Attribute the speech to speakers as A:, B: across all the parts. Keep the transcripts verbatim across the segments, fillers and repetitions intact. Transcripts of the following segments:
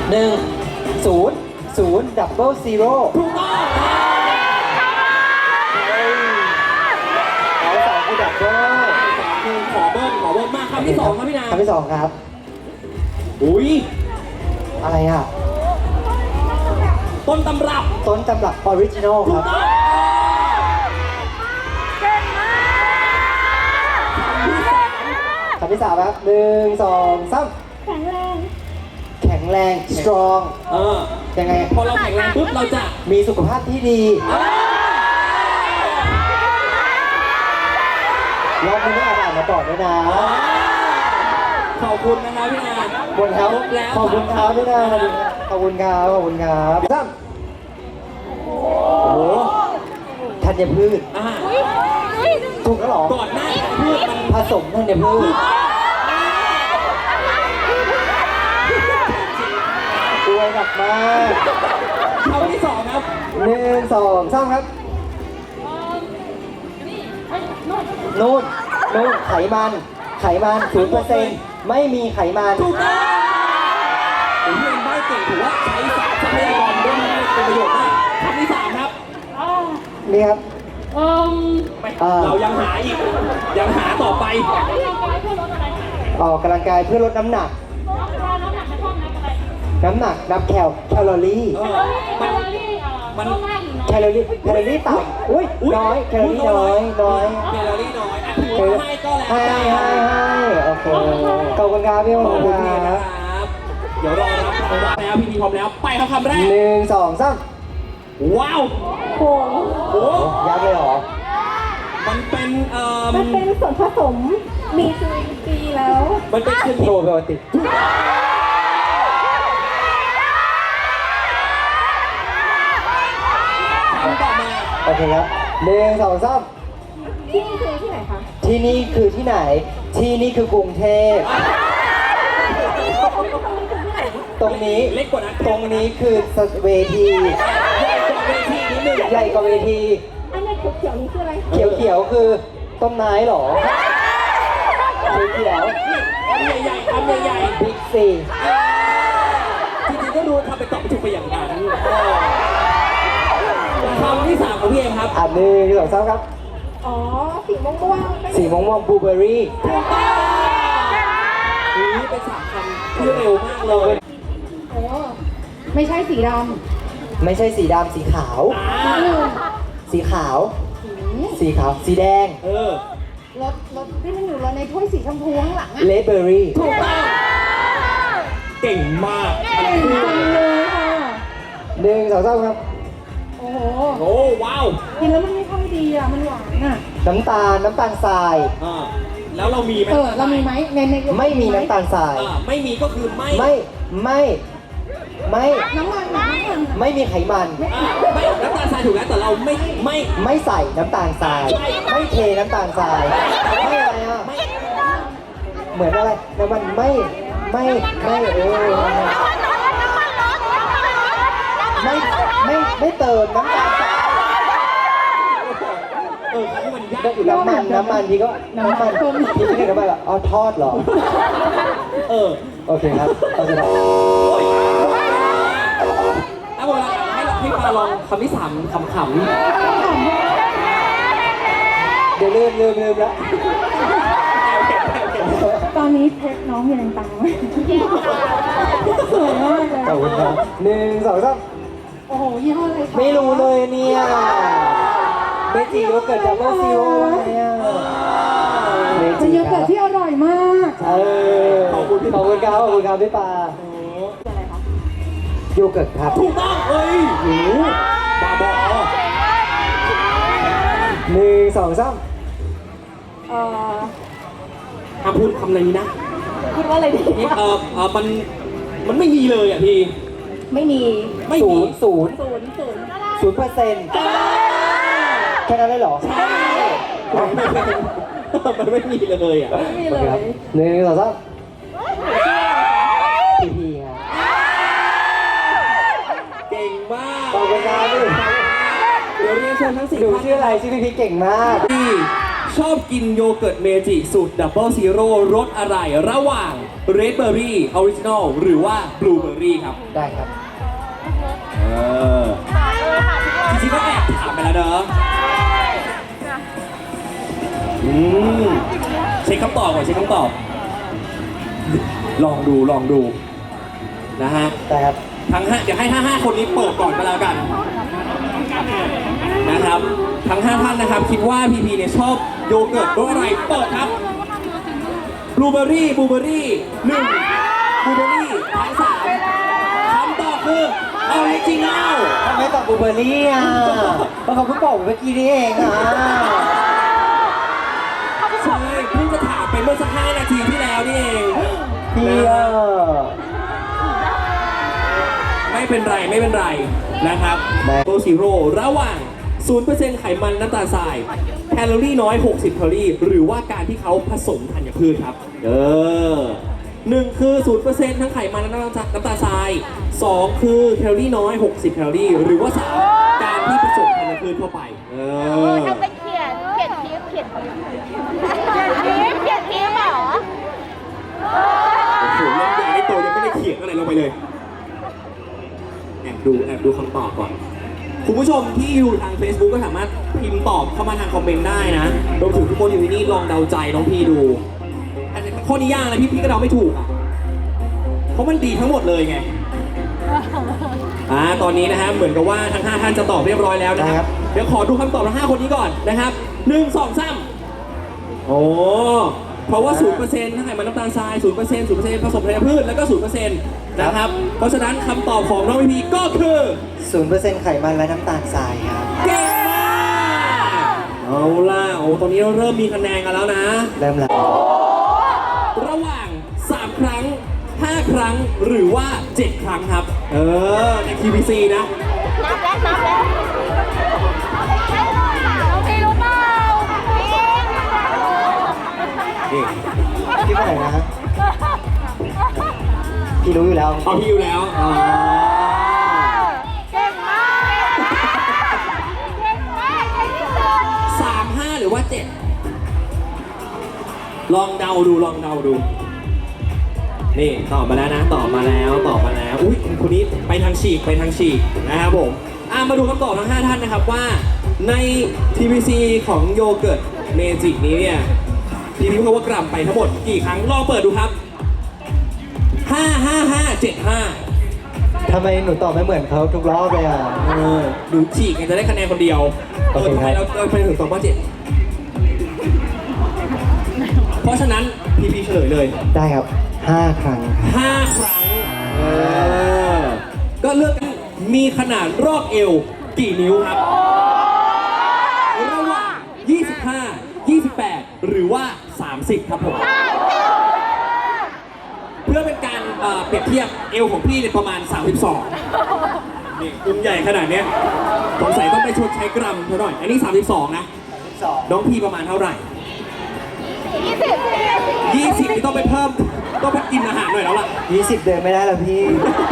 A: หนึ่งศูนย์ศูนย์ดับเบิลซีโร่
B: ถูกต้อง
A: เอาสองคือดับเบิล
B: คือขอเบิ้ลขอเบิ้ลมากคำที่สองครับพี่นา
A: คำที่สองครับ
B: อุ้ย
A: อะไรอ่ะ
B: ต้นตำรับ
A: ต้นตำรับออริจินอลครับคำที่สามครับหนึ่งสองสามแข็งแรงแข็งแรง strong
B: เออ
A: ยังไง
B: พอเราแข็งแรงปุ๊บเราจะ
A: มีสุขภาพที่ดีรอบนี้ไม่อ่านอ่านมาก่อนด้วยนะ
B: ขอบคุณนะครับพี่นา
A: บนครับขอบคุณครับพี่นาขอบคุณครับขอบคุณครับสามโอ้โหธัญพืช
B: อ่า
A: ถูกแล้วหรอ
B: ก่อนหน้าพืชมัน
A: ผสมธัญพืชช่วยหนักมาก
B: คำที่สองครับ
A: หนึ่งสองสามครับนู่นนู่นไขมันไขมันศูนย์เปอร์เซ็นต์ไม่มีไขมัน
B: ถูกต้องผมเรียนใบ้เก่งถือว่าใช้ทรัพยากรได้เป็นประโยชน์มากคำที่สามครับ
A: นี่ครับ
B: เรายังหาอีกยังหาต่อไป
A: ออกกำลังกายเพื่อลดน้ำหนักน้ำหนักนับแคลแคลอรี่
B: เออมันมัน
A: แคลอรี่แคลอรี่ต่ำอุ้ยน้อยแคลอรี่น้อยน้อย
B: แคลอรี่น้อยอ่ะถือว่าให้ก็แล้ว
A: ให้
B: กัน
A: ให้ให้โอเคขอบคุณครับพี่
B: ข
A: ข
B: อ
A: อ
B: บบ
A: คุ
B: คุณ
A: ณ
B: พี่
A: ค
B: นะ
A: รับ
B: ครับเดี๋ยวรอรับคำรับแล้วพี่พีพร้อมแล้วไปครับคำแรก
A: หนึ่งสองสาม
B: ว้าวโอ้โห
A: ยักเลยเหรอ
B: มันเป็นเอ่อ
C: มันเป็นส่วนผสมมีจุลินทรีย์แล้ว
B: มันเป็นชนิด
A: โปรไบโอติก
B: คำต่อมา
A: โอเคครับหนึ่งสองสาม
C: ที่นี่คือที่ไหนคะ
A: ที่นี่คือที่ไหน ที่นี่คือกรุงเทพตรงนี้
B: เล็กกว่านั้น
A: ตรงนี้คือเวที
B: ใหญ่กว่าเวทีนิดนึง
A: ใหญ่กว่าเวที
C: อันนี้เขียวๆนี่คืออะไร
A: เขียวเขียวๆคือต้นไม้เหรอเขียวเขียว
B: คำใหญ่ๆคำใหญ่
A: บิ๊กซี
B: ๆจริงๆก็ดูทำไปตอบถูกไปอย่างนั้นคำที่สามของพี่เองครับ
A: อ่ะหนึ่งสองสามครับ
C: อ๋อ สีม่วงๆเป็น
A: สีม่วงม่วงบลูเบอร์รี่
B: นี่เป็นสามคำที่เร็วมากเลย
C: โอ้ไม่ใช่สีด
A: ไม่ใช่สีดำสีขาว
B: อ่า
C: ำ
A: สีขาว
C: สี
A: สีขาว สีแดง
B: เออ
C: รถรถที่มันอยู่รถในถ้วยสีชมพูข้างหลังอะ
A: เลดเบอร์รี่
B: ถูกต้องเก่งมาก
C: เก่งจังเลยค่ะ
A: หนึ่งสองสามครับ
C: โอ้โห
B: โอ้ว้าว
C: กินแล้วมันไม่ค่อยดีอ่ะ มันหวานอ่ะ
A: น้ำตาลน้ำตาลทราย
B: อ่าแล้วเรามีไหม
C: เออ เรามีไหมในใน
A: ไม่มีน้ำตาลทราย
B: อ่าไม่มีก็คือไม่
A: ไม่ไม่ไม่
C: น้ำมันน้ำมัน
A: ไม่มีไขมัน
B: อ่าไม่น้ำตาลทรายถูกแล้วแต่เราไม่ไม่
A: ไม่ใส่น้ำตาลทราย ไม่เทน้ำตาลทรายไม่อะไรอ่ะ
B: ไม่
A: เหมือนอะไรน้ำมันไม่ไม่ไม่เออไม่ไม่ไม่เติมน้ำตาลทราย
B: เออเขามันยาก
A: น้ำมันน้ำมันพี่ก็น้ำมันพี่ไม่ใช่น้ำมันหรออ๋อทอดเหรอ
B: เออ
A: โอเคครับเข้าใจแล้ว
B: เอาเวลาให้เราให้ปาลองคำที่สามขำ
A: เดี๋ยวลืมลืมลืมแล้ว
C: ตอนนี้เพชรน้องยังตามสวยมากเลย
A: ขอบคุณครับหนึ่งสองสาม
C: โอ้โห ยี่ห้ออะไรคะ
A: ไม่รู้เลยเนี่ยเบจิโยเกิร์ตดับเบิลซีโร่เนี่ยเบ
C: เป็น
A: จิ
C: โย
A: ค
C: เกิ
A: รั
C: ร์
A: บ
C: ตที่อร่อยมาก
A: เออขอบคุณขอบคุณครับขอบคุณครับพี่ปา
C: อะไรคะ
A: โยเกิร์ตครับ
B: ถูกต้องเอ้ยหูบาบอ
A: หนึ่งสองสาม
C: เอ่อ
B: ห้ามพูดคำอะไรนี้นะ
C: คิดว่าอะไรดี
B: นี่เออเออมันมันไม่มีเลยอ่ะพี่
C: ไม่มี
B: ไม่
A: ศู
B: มี
A: นย์ศูนย์
C: ศูนย์ศูนย์
A: ศูนย์เปอร์เซ็นต์แค่นั้นเลยเหรอ
B: มันไม่มีเลยอ่ะ
C: ไม่มี
A: โอ
C: เล
A: เคครับ
C: ย
A: หนึ่งสองสามพีพีครับ
B: เก่งมาก
A: ขอบคุณครับพี่
B: เดี๋ยวเรียนเชิญทั้งสี่
A: ดู
B: ท่าน
A: ชื่ออะไรชื่อพีพีเก่งมาก
B: ที่ชอบกินโยเกิร์ตเมจิสูตรดับเบิลซีโร่รสอะไรระหว่างเรดเบอร์รี่ออริจินอลหรือว่าบลูเบอร์รี่ครับ
A: ได้ครับ
B: เออจริงๆก็แอบถามไปแล้วเนอะอืมเช็คคำตอบก่อนเช็คคำตอบ ลองดูลองดูนะฮะ
A: ได้ครับ
B: ทั้งห้าเดี๋ยวให้ห้าห้าคนนี้เปิดก่อนก็แล้วกันนะครับทั้งห้าท่านนะครับคิดว่าพีพีเนี่ยชอบโยเกิร์ตรสอะไรเปิดครับบลูเบอร์รี่บลูเบอร์รี่หนึ่งบลูเบอร์รี่ทั้งสามคำตอบคือออริจินัล
A: ทำไมตอบบลูเบอร์รี่อ่ะเพราะเขาเพิ่งบอกเมื่อกี้นี่เองอ่ะ
B: ใช่เพิ่งจะถามไปเมื่อสักห้านาทีที่แล้วนี่เอง
A: พี่อ่ะ
B: ไม่เป็นไรไม่เป็นไรนะครับโตซีโร่ระหว่าง ศูนย์เปอร์เซ็นต์ ไขมันน้ำตาลทรายแคลอรี่น้อย หกสิบ แคลอรี่ หรือว่าการที่เขาผสมธัญพืชครับเออหนึ่งคือ ศูนย์เปอร์เซ็นต์ ทั้งไขมันและน้ำตาลน้ำตาลทรายสองคือแคลอรี่น้อย หกสิบ แคลอรี่ หรือว่าสามการที่ผสมธัญพืชเข้าไปเออ
D: ทำเป็นเขียน เขียนทิปเขียนทิปเขียนทิปเขียนทิปเหรอ
B: โอ้โหเรื่องใหญ่ในตัวยังไม่ได้เขียนอะไรลงไปเลยแอบดูแอบดูคำตอบก่อนคุณผู้ชมที่อยู่ทาง Facebook ก็สามารถพิมพ์ตอบเข้ามาทางคอมเมนต์ได้นะรวมถึงทุกคนอยู่ที่นี่ลองเดาใจน้องพี่ดูอันนี้ข้อนี้ยากนะพี่พี่ก็เดาไม่ถูกอ่ะเพราะมันดีทั้งหมดเลยไงอ่าตอนนี้นะฮะเหมือนกับว่าทั้งห้าท่านจะตอบเรียบร้อยแล้วนะครับเดี๋ยวขอดูคำตอบทั้งห้าคนนี้ก่อนนะครับหนึ่งสองสามโอ้เพราะว่า ศูนย์เปอร์เซ็นต์ ทั้งไขมันน้ำตาลทราย ศูนย์เปอร์เซ็นต์ ศูนย์เปอร์เซ็นต์ ผสมธัญพืชแล้วก็ ศูนย์เปอร์เซ็นต์ นะครับ เพราะฉะนั้นคำตอบของน้องพีพีก็คือ
A: ศูนย์เปอร์เซ็นต์ไขมันและน้ำตาลทรายครับ
B: เก่งมากเอาล่ะโอ้ตอนนี้เราเริ่มมีคะแนนกันแล้วนะ
A: เริ่มแล้ว
B: ระหว่าง สาม ครั้ง ห้า ครั้ง หรือว่า เจ็ด ครั้งครับ เออ ใน ที วี ซี นะ
D: นับแล้วนับแล้วน้องพีรู้เปล่าพี
B: นี่
A: พี่ว่าไหนนะ พี่รู้อยู่แล้ว
B: เอาพี่อยู่แล้วอ๋อ
D: เก่งมากเก่งมากเก่งที่สุด
B: สาม ห้า หรือว่า เจ็ด ลองเดาดู ลองเดาดู นี่ตอบมาแล้วนะตอบมาแล้วตอบมาแล้วอุ้ยคนนี้ไปทางฉีกไปทางฉีกนะครับผมอ่ะมาดูคำตอบทั้งห้าท่านนะครับว่าใน ที วี ซี ของโยเกิร์ตเมจิกนี้เนี่ยพีพีเขาว่ากลับไปทั้งหมดกี่ครั้งลองเปิดดูครับห้า ห้า ห้า เจ็ด ห้า
A: ทำไมหนูตอบไม่เหมือนเขาทุกรอบเลยอ่ะ
B: เออดูฉีกกันจะได้คะแนนคนเดียวเอ
A: โอ
B: อ
A: เค
B: ทำไม
A: ครับ
B: เราเราไปถึงตอบว่าเจ็ดเพราะฉะนั้นพีพีเฉลยเลย
A: ได้ครับห้าครั้งครับ
B: ห้าครั้งเออก็เลือกกันมีขนาดรอบเอวกี่นิ้วครับระหว่างยี่สิบห้า ยี่สิบแปด หรือว่า สามสิบ ครับผม เพื่อเป็นการเอ่อเปรียบเทียบเอวของพี่เนี่ยประมาณ สามสิบสอง นี่อุ้มใหญ่ขนาดเนี้ยสงสัยต้องไปชดใช้กรัมเท่าหน่อย อันนี้ สามสิบสอง นะ
A: สอง
B: น้องพี่ประมาณเท่าไหร่
D: ยี่สิบ
B: ยี่สิบนี่ต้องไปเพิ่ม ต้องไปกินอาหารหน่อยแล้วล่ะ
A: ยี่สิบเดินไม่ได้แล้วพี่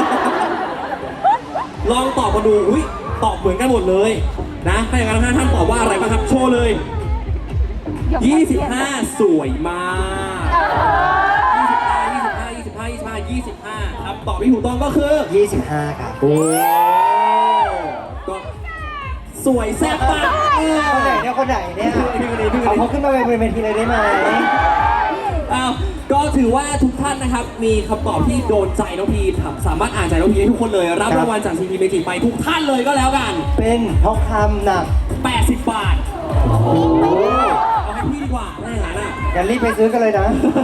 B: ลองตอบมาดู อุ้ยตอบเหมือนกันหมดเลยนะถ้าอย่างนั้นท่านตอบว่าอะไรบ้างครับ โชว์เลย ยี่สิบห้า สวยมาก ยี่สิบห้า ยี่สิบห้า ยี่สิบห้า ยี่สิบห้า ยี่สิบห้าครับตอบที่ถูกต้องก็คือ
A: ยี่สิบห้าครับ
B: โอ้ก็สวยแซ่บมากเออ
A: คนไหนเนี่ยคนไหนเนี่ยเอาเขาขึ้นมาเป็นเวทีเลยได้ไหม
B: อ้าวก็ถือว่าทุกท่านนะครับ มีคำตอบที่โดนใจน้องพีครับสามารถอ่านใจน้องพีได้ทุกคนเลย รับรางวัลจากซีพีเมจิไปทุกท่านเลยก็แล้วกัน
A: เป็นทองคำหนัก
B: แปดสิบบาท
A: โอ้โห
B: เอาให้พี่ดีกว่าถ้าอย่างนั้นอ่ะ
A: งั้นรีบไปซื้อกันเลยนะ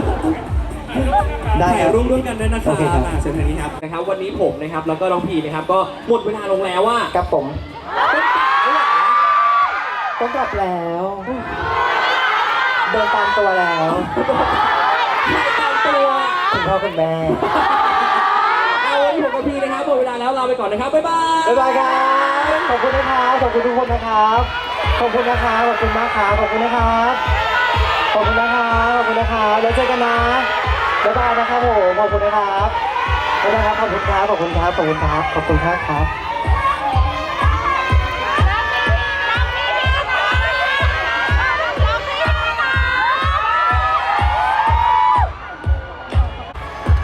A: ได้ค
B: ถ่าย
A: รับ
B: รูปด้วยกันด้วยนะครับ
A: โอเคครับ
B: อ่าเชิญทางนี้ครับนะครับ วันนี้ผมนะครับแล้วก็น้องพีนะครับก็หมดเวลาลงแล้วว่า
A: กับผมต้องกลับแล้ว เดินตามตัวแล้ว
B: ใครตามตัว
A: คุณพ่อคุณแม่
B: เอาวันนี้ผมกับพีนะครับหมดเวลาแล้วลาไปก่อนนะครับบ๊ายบาย
A: บ๊ายบายครับขอบคุณนะครับขอบคุณทุกคนนะครับขอบคุณนะครับขอบคุณมากครับขอบคุณนะครับขอบคุณนะครับขอบคุณนะครับแล้วเจอกันนะบ๊ายบายนะครับผมขอบคุณนะครับบ๊ายบายครับขอบคุณครับขอบคุณครับขอบคุณครับขอบคุณครับครับ